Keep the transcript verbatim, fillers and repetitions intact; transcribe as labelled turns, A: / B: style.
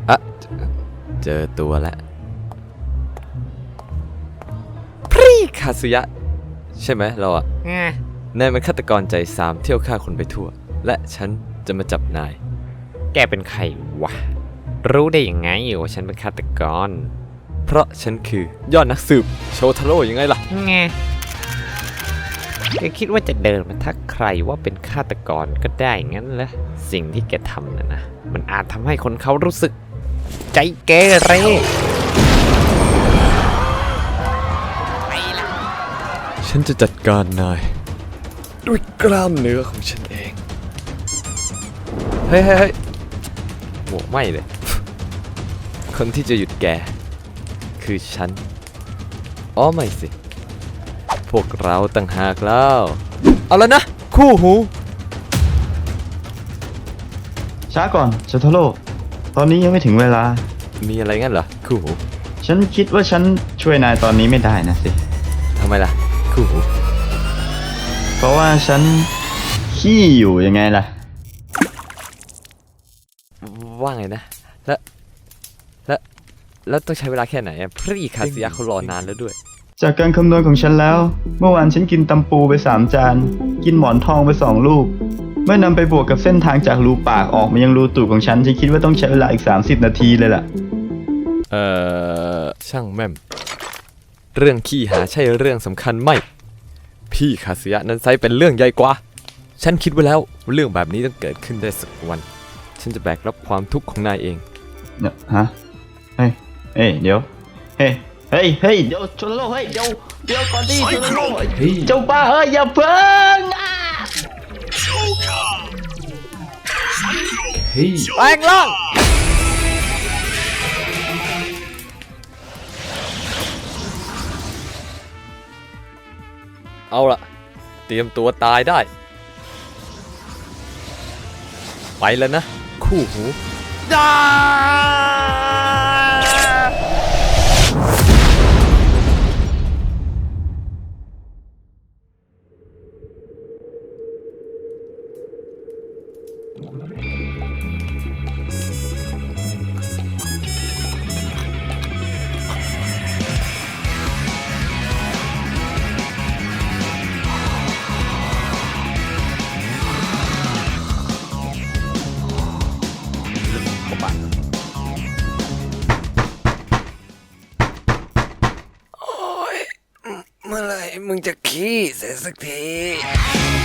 A: อะเจอตัวแล้วพรีคาสุยะใช่ไหมเราอะนายมันฆาตกรใจสามเที่ยวฆ่าคนไปทั่วและฉันจะมาจับนายแกเป็นใครวะรู้ได้ยังไงว่าฉันเป็นฆาตกรเพราะฉันคือยอดนักสืบโชทาโร่ยังไงล่ะไงแกคิดว่าจะเดินมาทักใครว่าเป็นฆาตกรก็ได้งั้นเหรอสิ่งที่แกทำน่ะนะมันอาจทำให้คนเขารู้สึกใจเกเรฉันจะจัดการนายด้วยกล้ามเนื้อของฉันเองเฮ้ยเฮ้ยโหไม่เลยคนที่จะหยุดแกคือฉันอ๋อไม่สิพวกเราต่างหากแล้วเอาแล้วนะคู่หู
B: ช้าก่อนโชทาโร่ตอนนี้ยังไม่ถึงเวลา
A: มีอะไรงั้นเหรอคู่หู
B: ฉันคิดว่าฉันช่วยนายตอนนี้ไม่ได้นะสิ
A: ทำไมล่ะคู่หู
B: เพราะว่าฉันขี้อยู่ยังไงล่ะ
A: ว่าไงนะแล้วแล้วแล้วต้องใช้เวลาแค่ไหนอะพรีคาซิยะเขารอนานแล้วด้วย
B: จากการคำนวณของฉันแล้วเมื่อวานฉันกินตำปูไปสามจานกินหมอนทองไปสองลูกเมื่อนำไปบวกกับเส้นทางจากรูปากออกมายังรูตูดของฉันฉันคิดว่าต้องใช้เวลาอีกสามสิบนาทีเลยล่ะ
A: เอ่อช่างแม่มเรื่องขี้หาใช่เรื่องสำคัญไหมพี่คาซิยะนั้นไซเป็นเรื่องใหญ่กว่าฉันคิดไว้แล้วว่าเรื่องแบบนี้ต้องเกิดขึ้นได้สักวันฉันจะแบกรับความทุกข์ของนายเอง
B: เนี่ยฮะเฮ้ยเฮ้ยเดี๋ยวเฮ้ยเฮ้ยเฮ้ยเดี๋ยวชนโลกเฮ้ยเดี๋ยวเดี๋ยวก่อนดิชนโลกเจ้าบ้าเฮ้ยอย่าเพิ่ง
A: เฮ้ยแปลงร่างเอาล่ะเตรียมตัวตายได้ไปแล้วนะคู่หูจ้าเมื่อไหร่มึงจะขี้เสร็จสักที